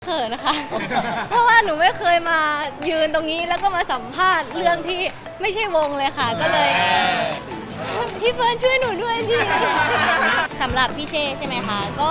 เขินนะคะ เพราะว่าหนูไม่เคยมายืนตรงนี้แล้วก็มาสัมภาษณ์เรื่องที่ไม่ใช่วงเลยค่ะ ก็เลย พี่เฟิร์นช่วยหนูด้วยดิสำหรับพี่เช่ใช่ไหมคะก็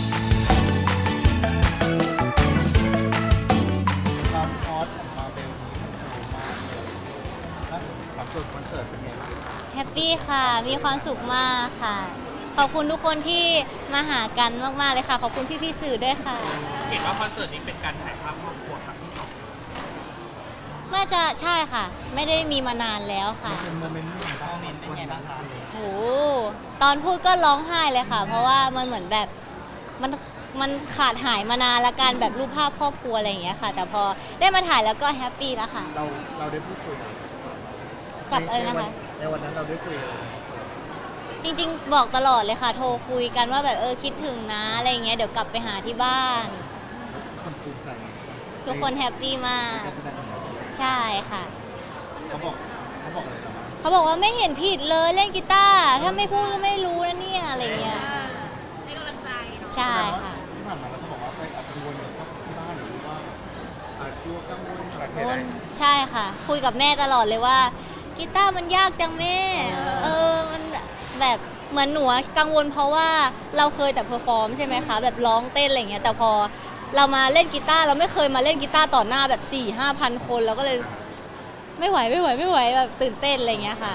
ความฮอตของมาเบลนี้มันสูงมากเลยล่าสุดความสุดคอนเสิร์ตเป็นไงบ้างแฮปปี้ค่ะ มีความสุขมากค่ะ ขอบคุณทุกคนที่มาหากันมากๆเลยค่ะ ขอบคุณพี่ๆสื่อด้วยค่ะเห็นว่าคอนเสิร์ตนี้เป็นการถ่ายภาพครอบครัวครั้งที่สองน่าจะใช่ค่ะ ไม่ได้มีมานานแล้วค่ะเป็นโมเมนต์เป็นไงบ้างคะโหตอนพูดก็ร้องไห้เลยค่ะ เพราะว่ามันเหมือนแบบมันขาดหายมานานละกันแบบรูปภาพครอบครัวอะไรอย่างเงี้ยค่ะ แต่พอได้มาถ่ายแล้วก็แฮปปี้แล้วค่ะเราได้พูดคุยอะไรกับอะไรนะคะในวันนั้นเราได้คุยอะไรจริงๆบอกตลอดเลยค่ะ โทรคุยกันว่าแบบคิดถึงนะอะไรอย่างเงี้ยเดี๋ยวกลับไปหาที่บ้านคนภูมิใจทุกคนแฮปปี้มากการแสดงของเราใช่ค่ะเขาบอกอะไรเราบ้างเขาบอกว่าไม่เห็นผิดเลยเล่นกีตาร์ถ้าไม่พูดก็ไม่รู้นะเนี่ยอะไรเงี้ยให้กำลังใจเนาะใช่ค่ะที่ผ่านมาเราก็บอกว่าไปอัดวนกับที่บ้านหรือว่าอาจกลัวกังวลอะไรโอ้ใช่ค่ะ คุยกับแม่ตลอดเลยว่ากีตาร์มันยากจังแม่มันแบบเหมือนหนูกังวลเพราะว่าเราเคยแต่เพอร์ฟอร์มใช่ไหมคะแบบร้องเต้นอะไรเงี้ยแต่พอเรามาเล่นกีตาร์เราไม่เคยมาเล่นกีตาร์ต่อหน้าแบบ 4-5,000 คนเราก็เลยไม่ไหวแบบตื่นเต้นอะไรเงี้ยค่ะ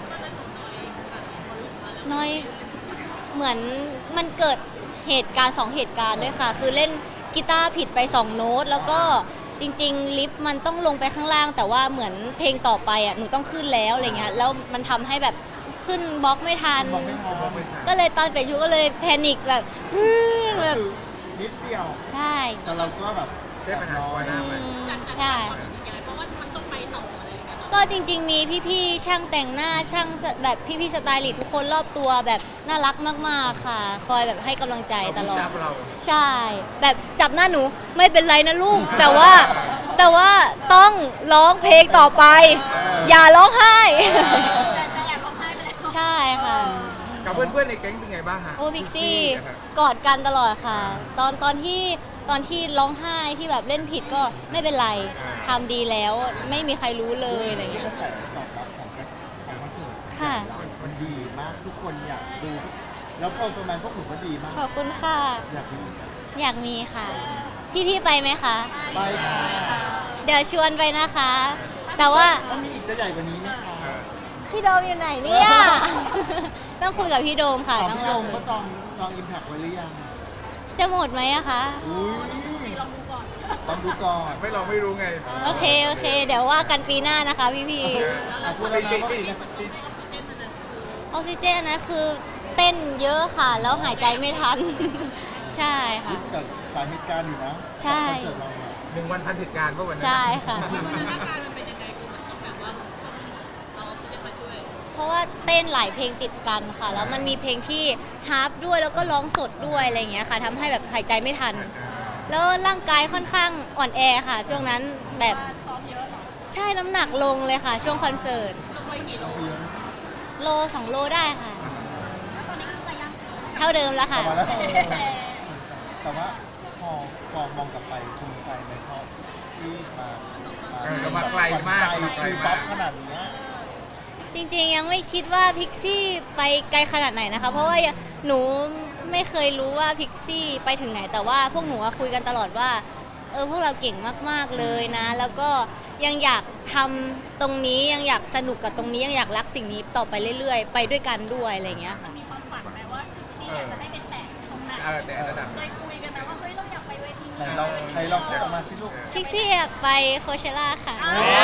น้อยเหมือนมันเกิดเหตุการณ์2เหตุการณ์ด้วยค่ะ คือเล่นกีตาร์ผิดไป2โน้ตแล้วก็จริงๆลิฟต์มันต้องลงไปข้างล่าง แต่ว่าเหมือนเพลงต่อไปอ่ะหนูต้องขึ้นแล้วอะไรเงี้ยแล้วมันทำให้แบบขึ้นบล็อกไม่ทันบอกไม่พอก็เลยตอนเปลี่ยนชุดก็เลยแพนิคแบบแบบนิดเดียวใช่แต่เราก็แบบแก้ปัญหาตัวหน้ามันใช่เพราะว่ามันต้องไปต่ออะไรอย่างเงี้ยก็จริงๆมีพี่ๆช่างแต่งหน้าช่างแบบพี่ๆสไตลิสต์ทุกคนรอบตัวแบบน่ารักมากๆค่ะ คอยแบบให้กำลังใจตลอด ใช่ แบบจับหน้าหนูไม่เป็นไรนะลูก แต่ว่าต้องร้องเพลงต่อไป อย่าร้องไห้แต่แอบร้องไห้ไปแล้วใช่ค่ะกับเพื่อนๆในแก๊งเป็นไงบ้างฮะโอ้พิกซี่กอดกันตลอดค่ะ ตอนที่ร้องไห้ที่แบบเล่นผิดก็ไม่เป็นไรทำดีแล้วไม่มีใครรู้เลยอะไรกเงี้ยระแสตอบรับของคอนเสิร์ตค่ะมันดีมากทุกคนอยากดู แล้วพอประมาณพวกหนูก็ดีมากขอบคุณค่ะอยากดูอยากมีค่ะ พี่ๆไปไหมคะไปค่ะเดี๋ยวชวนไปนะคะ แต่ว่าต้องมีอีกจะใหญ่กว่านี้ไหมคะพี่โดมอยู่ไหนเนี่ย ต้องคุยกับพี่โดมค่ะถามต้องพี่รโดอมคุก็ยจองอิมแพคไว้หรือยังจะหมดไหมอะคะอุ้ยลองดูก่อนต้องดูก่อนไม่รู้ไงโอเค เดี๋ยวว่ากันปีหน้านะคะพี่ช่วยแล้วนะว่าปีนะๆออกซิเจนนะคือเต้นเยอะค่ะ แล้วหายใจไม่ทัน ใช่ค่ะกับหลายเหตุการณ์อยู่นะใช่คอนเสิร์ตเราอะ 1 วันพันเหตุการณ์ป่ะวันนั้นใช่ค่ะสถานการณ์มันเป็นยังไงคือมันต้องแบบว่าเอาออกซิเจนมาช่วยเพราะว่าเต้นหลายเพลงติดกันค่ะ แล้วมันมีเพลงที่ฮาร์ปด้วยแล้วก็ร้องสดด้วยอะไรอย่างเงี้ยค่ะทำให้แบบหายใจไม่ทัน แล้วร่างกายค่อนข้างอ่อนแอค่ะ ช่วงนั้นแบบซ้อมเยอะเหรอใช่น้ำหนักลงเลยค่ะ ช่วงคอนเสิร์ตลงไปกี่โลโล 2 โลได้ค่ะแล้วตอนนี้ขึ้นไปยังเท่าเดิมแล้วกลัค่ะบมาแล้วแต่ว่าพอมองกลับไปภูมิใจไหมเพราะที่มาไกลคือป๊อปขนาดเนี้ยจริงๆยังไม่คิดว่าพิกซี่ไปไกลขนาดไหนนะคะ เพราะว่าหนูไม่เคยรู้ว่าพิกซี่ไปถึงไหน แต่ว่าพวกหนูอะคุยกันตลอดว่าพวกเราเก่งมากๆเลยนะ แล้วก็ยังอยากทำตรงนี้ยังอยากสนุกกับตรงนี้ยังอยากรักสิ่งนี้ต่อไปเรื่อยๆ ไปด้วยกันด้วยอะไรอย่างเงี้ยค่ะมีความฝันไหมว่าที่อยากจะให้เป็นแตะตรงไหนแต่ระดับเคยคุยกันไหมว่าเฮ้ยเราอยากไปเวทีไหนนี้ลองออกมาสิลูกพิกซี่อยากไปโคเชล่าค่ะ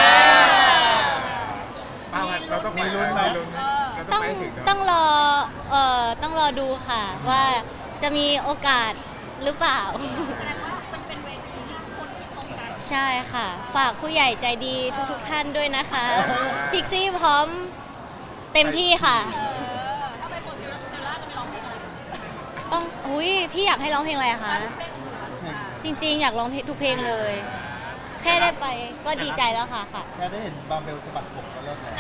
เราต้องไปลุ้นเราต้ต้ออง งไปถึงต้องรอต้องรอดูค่ะ ว่าจะมีโอกาสหรือเปล่าแสดงว่ามันเป็นเวทีที่ทุกคนคิดตรงกันใช่ค่ะ ฝากผู้ใหญ่ใจดีทุกๆท่านด้วยนะคะ พิกซี่พร้อมเต็มที่ค่ะถ้าไปโคเชล่าจะไปร้องเพลงอะไรต้องอุ้ยพี่อยากให้ร้องเพลงอะไรอะคะ จริงๆ อยากร้องเพลงทุกเพลงเลย แค่ได้ไปก็ดีใจแล้วค่ะแค่ได้เห็นบาร์เบลสะบัดผมก็เลิกแล้ว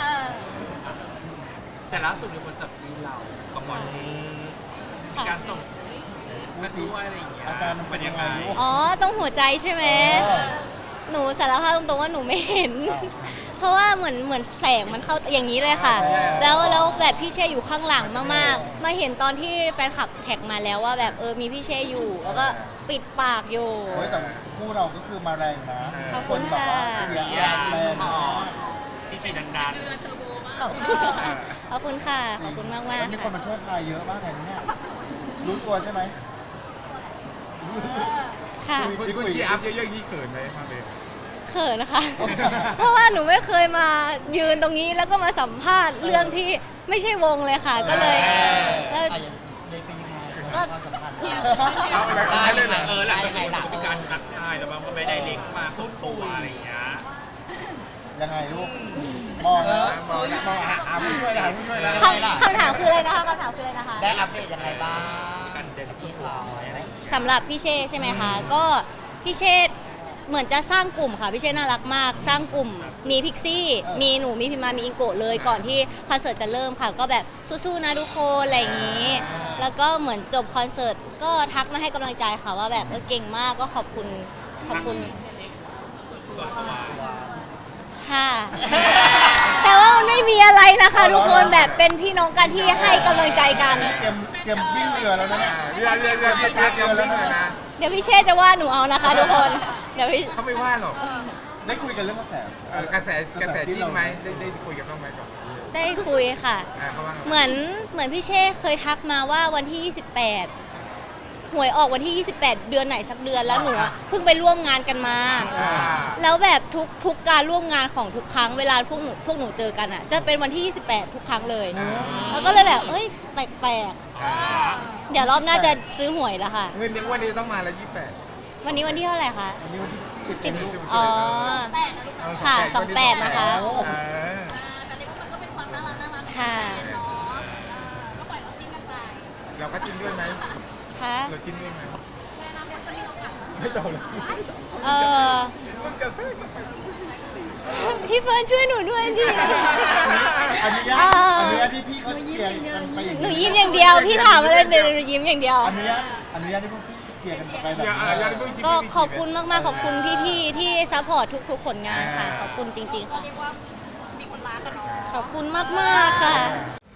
แต่ล่าสุดมีคนจับจีนเรากับหมอชีมีค่ะการส่งพูดสิอาการมันเป็นยังไงลูกอ๋อต้องหัวใจใช่ไหม หนูสารภาพตรงๆว่าหนูไม่เห็น เพราะว่าเหมือนแสงมันเข้าอย่างนี้เลยค่ะ แล้วแบบพี่เช่อยู่ข้างหลังมากๆ มาเห็นตอนที่แฟนคลับแท็กมาแล้วว่าแบบมีพี่เช่อยู่ แล้วก็ปิดปากอยู่โอ้ยแต่คู่เราก็คือมาแรงนะขอบคุณนแบบว่าค่ะเสียแรงมากชี้ดันเรือเทอร์โบมากขอบคุณค่ะ ขอบคุณมากแล้วๆมีคนค่ะมาช่วยพายเยอะมากเลยนะเนี่ยรู้ตัวใช่ไหมค่ะมีคนเชียร์อัพเยอะๆนี่เขินไหมมาเลยเขินนะคะ เพราะว่าหนูไม่เคยมายืนตรงนี้แล้วก็มาสัมภาษณ์เรื่องที่ไม่ใช่วงเลยค่ะ ก็เลยแล้วเลยเป็นยังไงก็ความสัมพันธ์เอาอะไรกันไม่เลยเหรอหลังจากที่มีการทักทายแล้วมันก็ไม่ได้เล็กมาพูดคุยอะไรอย่างเงี้ยยังไงลูกมองนะมองผู้ช่วยนะผู้ช่วยนะคำถามคืออะไรนะคะคำถามคืออะไรนะคะได้อัปเดตยังไงบ้างกันเดินที่เขาอะไรอย่างเงี้ยสำหรับพี่เช่ใช่ไหมคะ ก็พี่เช่เหมือนจะสร้างกลุ่มค่ะพี่เช่น่ารักมาก สร้างกลุ่มมีพิกซี่มีหนูมีพิมมามีอิงโกะเลยก่อนที่คอนเสิร์ตจะเริ่มค่ะ ก็แบบสู้ๆนะทุกคนอะไรอย่างนี้ แล้วก็เหมือนจบคอนเสิร์ตก็ทักมาให้กำลังใจค่ะว่าแบบเก่งมากก็ขอบคุณค่ะ แต่ว่ามันไม่มีอะไรนะคะทุกคนแบบเป็นพี่น้องกันที่ให้กำลังใจกันเตรียมทิ้งเรือแล้วนะเนี่ยเรือเตรียมวิ่งเลยนะเดี๋ยวพี่เช่จะว่าหนูเอานะคะทุกคนเดี๋ยวพี่เขาไม่ว่าหรอกได้คุยกันเรื่องกระแสกระแสจิ้นไหมได้คุยกับน้องไหมก่อนได้คุยค่ะเขาว่าเหมือนพี่เช่เคยทักมาว่าวันที่ 28 หวยออกวันที่ 28 เดือนไหนสักเดือนแล้วหนูอะเพิ่งไปร่วมงานกันมา แล้วแบบทุกการร่วมงานของทุกครั้งเวลาพวกหนูเจอกันอ่ะจะเป็นวันที่ 28 ทุกครั้งเลย แล้วก็เลยแบบเอ้ยแปลกๆเดี๋ยวรอบหน้าจะซื้อหวยแล้วค่ะเงินวันนี้ต้องมาแล้ว28 วันนี้วันที่เท่าไหร่คะวันนี้วันที่10 10อ๋อ ค่ะ28นะคะแต่เรียกว่ามันก็เป็นความน่ารักของค่ะเนาะก็ปล่อยเขาจิ้นกันไปเราก็จิ้นด้วยไหมค่ะเราจิ้นด้วยไหมในอนาคตจะมีโอกาสไม่ต้องเลย มึงกระแทกกันไปพี่เฟิร์นช่วยหนูด้วยดิอนุญาตพี่เขาเชียร์กันไปอย่างหนูยิ้มอย่างเดียว พี่ถามอะไรเดี๋ยวหนูยิ้มอย่างเดียวอนุญาตที่พวกพี่เชียร์กันไปแบบอย่าได้เพิ่งจิ้นก็ขอบคุณมากๆ ขอบคุณพี่ๆ ที่ซัพพอร์ตทุกๆ ผลงานค่ะ ขอบคุณจริงๆ ค่ะเรียกว่ามีคนรักกันเนาะขอบคุณมากๆ ค่ะ